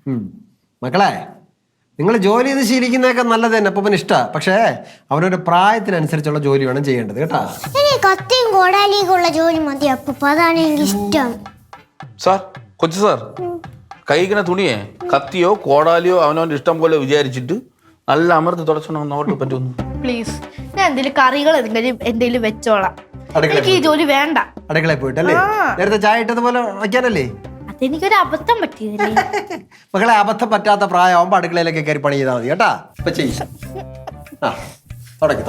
മക്കളെ, നിങ്ങൾ ജോലി ചെയ്ത് ശീലിക്കുന്നതൊക്കെ നല്ലത് തന്നെ അപ്പൂപ്പന് ഇഷ്ടമാണ്. പക്ഷേ അവനൊരു പ്രായത്തിനനുസരിച്ചുള്ള ജോലി വേണം ചെയ്യേണ്ടത് കേട്ടാ. കത്തിയും കോടാലിയൊക്കെ ജോലി മതി അപ്പൂപ്പ, അതാണ് എനിക്ക് ഇഷ്ടം. സാർ, കൊച്ചു സാർ, കഴിക്കുന്ന തുണിയെ കത്തിയോ കോടാലിയോ അവനവന്റെ ഇഷ്ടം പോലെ വിചാരിച്ചിട്ട് നല്ല അമർത്തി തുടച്ചോണ്ട് നോട്ട് പറ്റുന്നു. പ്ലീസ്, ഞാൻ എന്തെങ്കിലും കറികൾ എന്തെങ്കിലും വെച്ചോളാം. എനിക്ക് ഈ ജോലി വേണ്ട. അടുക്കളയിൽ പോയിട്ടല്ലേ? നേരത്തെ ചായ ഇട്ടതുപോലെ വയ്ക്കാനല്ലേ? അതെനിക്കൊരു അബദ്ധം പറ്റിയതല്ലേ. മക്കളെ, അബദ്ധം പറ്റാത്ത പ്രായമാകുമ്പോ അടുക്കളയിലൊക്കെ കയറി പണി ചെയ്താൽ മതി കേട്ടാ. ഇപ്പൊ ചെയ്യ. തുടക്കി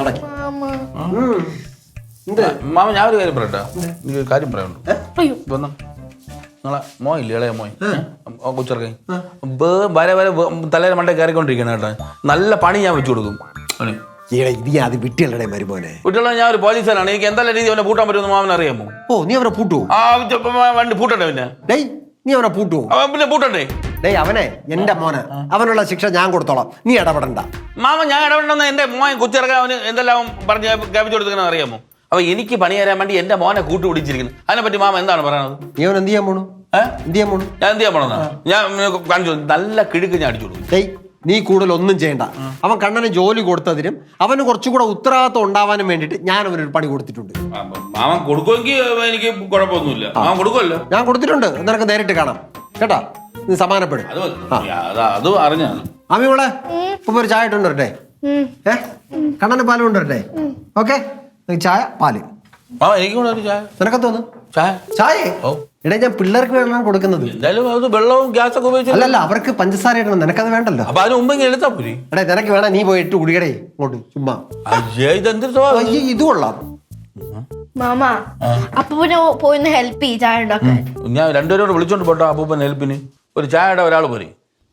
മാമ, ഞാൻ ഒരു കാര്യം പറയട്ടെ. എനിക്ക് കാര്യം പറയാനുണ്ട്. നിങ്ങളെ മോയില്ലേ, ഇളയ മോയ് കൊച്ചിറക്കൈ വരെ വരെ തലേരെ മണ്ടേ കയറിക്കൊണ്ടിരിക്കണം കേട്ടോ. നല്ല പണി ഞാൻ വെച്ചു കൊടുക്കും. അത് വിട്ടിയല്ലേ മരുമോനെ? വീട്ടിലുള്ള ഞാൻ ഒരു പോലീസുകാരാണ്. എനിക്ക് എന്തെല്ലാം രീതി അവനെ പൂട്ടാൻ പറ്റുമെന്ന് മാമൻ അറിയാമോ? ഓ, നീ അവനെ പൂട്ടുവോ? വണ്ടി പൂട്ടണ്ടേ? നീ അവനെ പൂട്ടുവോ? പിന്നെ പൂട്ടണ്ടേ? അവനെ എന്റെ മോനെ, അവനുള്ള ശിക്ഷ ഞാൻ കൊടുത്തോളാം, നീ ഇടപെടണ്ട. മാമ, ഞാൻ ഇടപെടണമെന്ന് എന്റെ മോൻ കൊച്ചിറക്കാൻ അവന് എന്തെല്ലാം പറഞ്ഞ് ഗാപിച്ചു കൊടുക്കുന്ന അറിയാമോ? അപ്പൊ എനിക്ക് പണി തരാൻ വേണ്ടി എന്റെ മോനെ കൂട്ടി പിടിച്ചിരിക്കുന്നു. അതിനെപ്പറ്റി മാമ എന്താണ് പറയുന്നത്? നീ അവൻ എന്ത് ചെയ്യാൻ പോണു? ഞാൻ എന്ത് ചെയ്യാൻ പോണെന്നാ? ഞാൻ കാണിച്ചു, നല്ല കിഴുക്ക് ഞാൻ അടിച്ചു കൊടുക്കും. നീ കൂടുതൽ ഒന്നും ചെയ്യണ്ട. അവൻ കണ്ണന് ജോലി കൊടുത്തതിനും അവന് കുറച്ചുകൂടെ ഉത്തരവാദിത്വം ഉണ്ടാവാനും വേണ്ടിയിട്ട് ഞാൻ അവനൊരു പണി കൊടുത്തിട്ടുണ്ട്. മാമൻ കൊടുക്കുമെങ്കിൽ എനിക്ക് കുഴപ്പമൊന്നുമില്ല. മാമൻ കൊടുക്കുമല്ലോ. ഞാൻ കൊടുത്തിട്ടുണ്ട്, നിനക്ക് നേരിട്ട് കാണാം കേട്ടാ. നീ സമാധാനപ്പെടും. അത് അറിഞ്ഞാണ്. അമ്മിയോളെ, ഇപ്പൊ ഒരു ചായ ഇട്ടുണ്ട് വരട്ടെ? കണ്ണന് പാല് കൊണ്ടുവരട്ടെ? ഓക്കെ, ചായ പാല്. എനിക്ക് നിനക്ക് തോന്നുന്നു ചായ? എടേ, ഞാൻ പിള്ളേർക്ക് വേണം കൊടുക്കുന്നത്. എന്തായാലും അത് വെള്ളവും ഗ്യാസൊക്കെ ഉപയോഗിച്ചു. അല്ലല്ല, അവർക്ക് പഞ്ചസാര ഇടണം, നിനക്കത് വേണ്ടല്ലോ. അപ്പൊ അതിന് മുമ്പ് എടുത്താ പോരി. എടേ, നിനക്ക് വേണം, നീ പോയിട്ട് കുടിക്കടേ ഇങ്ങോട്ട് ചുമ്മാ. ഇത് കൊള്ളാം. മാമ, അപ്പൂപ്പനെ പോയിന്ന് ഹെൽപ്പ് ചെയ്യ് ചായ ഉണ്ടാക്കാൻ. ഞാൻ രണ്ടുപേരോട് വിളിച്ചോണ്ട് പോട്ടോ അപ്പൂപ്പൻ ഹെൽപ്പിന്. ഒരു ചായയുടെ ഒരാൾ പോരെ.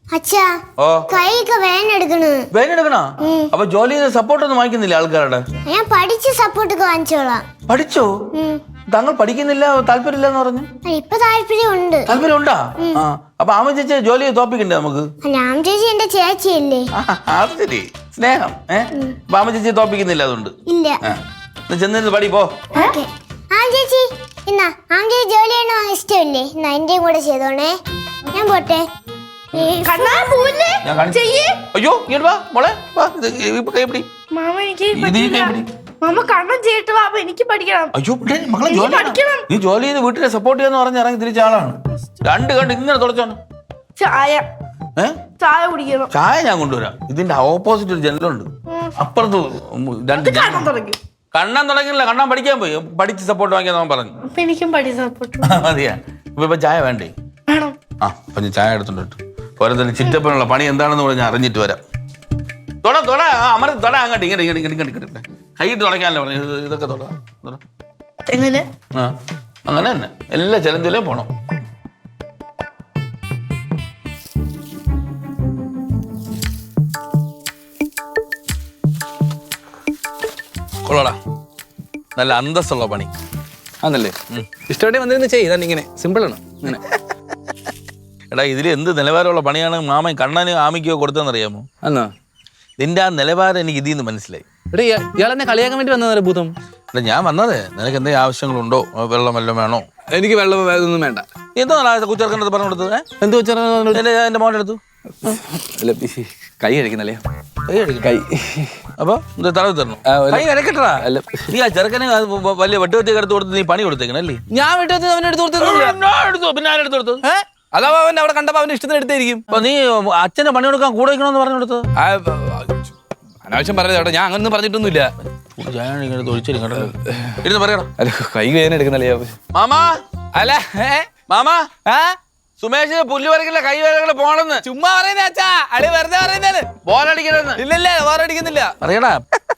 വേനെടുക്കണോ? അപ്പൊ ജോലി ചെയ്ത് സപ്പോർട്ട് ഒന്നും വാങ്ങിക്കുന്നില്ല ആൾക്കാരുടെ? ഞാൻ പഠിച്ച് സപ്പോർട്ട് വാങ്ങിച്ചോളാം. പഠിച്ചോ? താങ്കൾ പഠിക്കുന്നില്ല, താല്പര്യമില്ല എന്ന് പറഞ്ഞു. ഇപ്പൊ താല്പര്യമുണ്ട്. താല്പര്യം ഉണ്ടാ? അപ്പൊ ആമ ചേച്ചി ജോലി തോപ്പിക്കണ്ടേ നമുക്ക്? ആമ ചേച്ചി എന്റെ ചേച്ചിയല്ലേ? അത് ശരി, സ്നേഹം. അപ്പൊ ആമ ചേച്ചി തോപ്പിക്കുന്നില്ല അതുകൊണ്ട്? ഇല്ല. ചെന്ന് പടി പോ. ചേച്ചി എന്നാ ആമ ചേച്ചി ജോലി ചെയ്യണോ ഇഷ്ടമല്ലേ? എന്നാ എന്റെയും കൂടെ ചെയ്തോണേ. ഞാൻ പോട്ടെ. അയ്യോ, മോളെ കൈപ്പിടി. മാമ കണ്ണം ചെയ്തിട്ട് വാ, എനിക്ക് പഠിക്കണം. അയ്യോ മക്കളെ, നീ ജോലി ചെയ്ത് വീട്ടിലെ സപ്പോർട്ട് ചെയ്യാന്ന് പറഞ്ഞ് ഇറങ്ങി തിരിച്ച ആളാണ്. രണ്ട് കണ്ട് ഇങ്ങനെ തുടച്ചോണം. ചായ കുടിക്കണം. ചായ ഞാൻ കൊണ്ടുവരാം. ഇതിന്റെ ഓപ്പോസിറ്റ് ഒരു ജനലുണ്ട്, അപ്പുറത്ത് രണ്ട്. കണ്ണാൻ തുടങ്ങിയില്ല, കണ്ണാൻ പഠിക്കാൻ പോയി. പഠിച്ച് സപ്പോർട്ട് വാങ്ങിയാൽ അവൻ പറഞ്ഞു. എനിക്കും പഠിച്ച് സപ്പോർട്ട് മതിയാ. ഇപ്പൊ ചായ വേണ്ടേ? അപ്പൊ ഞാൻ ചായ എടുത്തോണ്ട് പോരത്തന്നെ ചിറ്റപ്പനുള്ള പണി എന്താണെന്ന് പറഞ്ഞാൽ അറിഞ്ഞിട്ട് വരാം. അമർത്തി തൊട, അങ്ങോട്ട് ഇങ്ങോട്ട് കൈയിട്ട് തുടക്കാനല്ലേ പറഞ്ഞു. ഇതൊക്കെ തൊട. എങ്ങനെ? അങ്ങനെ തന്നെ എല്ലാ ചലഞ്ചിലേയും പോണം. കൊള്ളടാ, നല്ല അന്തസ്സുള്ള പണി ആണല്ലേ. ഇഷ്ടപ്പെട്ടേ വന്നിരുന്ന് ചെയ്താൽ ഇങ്ങനെ സിമ്പിളാണ്. ഇങ്ങനെ എടാ, ഇതിൽ എന്ത് നിലവാരമുള്ള പണിയാണ് മാമൻ കണ്ണന് ആമിക്കോ കൊടുത്തതെന്നറിയാമോ? എന്നാ നിന്റെ ആ നിലവാരം എനിക്ക് ഇതിൽ നിന്ന് മനസ്സിലായി. എടാ, ഇയാൾ എന്നെ കളിയാക്കാൻ വേണ്ടി വന്നതല്ലേ ഭൂതം? എടാ, ഞാൻ വന്നതേ നിനക്ക് എന്തെങ്കിലും ആവശ്യങ്ങളുണ്ടോ? വെള്ളം വല്ലതും വേണോ? എനിക്ക് വെള്ളം ഇതൊന്നും വേണ്ട. എന്തോ കുച്ചേർക്കണ്ടത് പറഞ്ഞു കൊടുത്തത്? എന്ത് വെച്ചാൽ എന്റെ മോൻ്റെ അടുത്തു കൈ കഴിക്കുന്നല്ലേ? കൈ അപ്പൊ തടവി തരണം. കൈ കരക്കട്ടാ. നീ ആ ചെറുക്കനെ വലിയ വെട്ടുകത്തിയൊക്കെ എടുത്ത് കൊടുത്ത് നീ പണി കൊടുത്തേക്കണല്ലേ? ഞാൻ വെട്ടുകത്തി അവനെ എടുത്ത് കൊടുത്തു. പിന്നെ ആരെടുത്ത് കൊടുത്തു? അതാ അവൻ അവിടെ കണ്ടപ്പോ അവന്റെ ഇഷ്ടത്തിന് എടുത്തായിരിക്കും. അപ്പൊ നീ അച്ഛനെ പണി കൊടുക്കാൻ കൂടെ വയ്ക്കണമെന്ന് പറഞ്ഞു കൊടുത്തത്? അനാവശ്യം പറഞ്ഞത് ഞാൻ അങ്ങനെ പറഞ്ഞിട്ടൊന്നുമില്ല. കൈ വേദന എടുക്കുന്നല്ലേ മാമാ? അല്ല മാമാ, സുമേഷ് പുല്ല് വരക്കില്ല, കൈ വരകള് പോണെന്ന് ചുമ്മാ പറയുന്നേ അച്ഛാ. അളി വെറുതെ പറയുന്നേന്ന്. ബോലടിക്കണെന്ന്. ഇല്ലല്ലേ, ബോറടിക്കുന്നില്ല. അറിയടാ,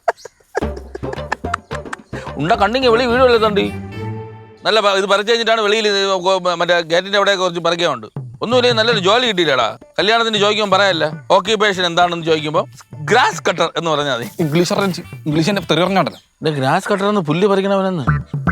ഉണ്ട കണ്ണിങ്ങി വെളി വീട് വല്ലതുണ്ട്. നല്ല ഇത് പറിച്ചു കഴിഞ്ഞിട്ടാണ് വെളിയിൽ മറ്റേ ഗേറ്റിന്റെ അവിടെ കുറച്ച് പറിക്കാനുണ്ട്. ഒന്നുമില്ലേ, നല്ലൊരു ജോലി കിട്ടിയില്ലടാ. കല്യാണത്തിന് ചോദിക്കുമ്പോൾ പറയാല്ല ഓക്യുപ്പേഷൻ എന്താണെന്ന് ചോദിക്കുമ്പോൾ ഗ്രാസ് കട്ടർ എന്ന് പറഞ്ഞാൽ മതി. ഇംഗ്ലീഷ് തെറി പറഞ്ഞോണ്ടല്ലോ. ഗ്രാസ് കട്ടർ എന്ന് പുല്ല് പറിക്കണവനെന്ന്.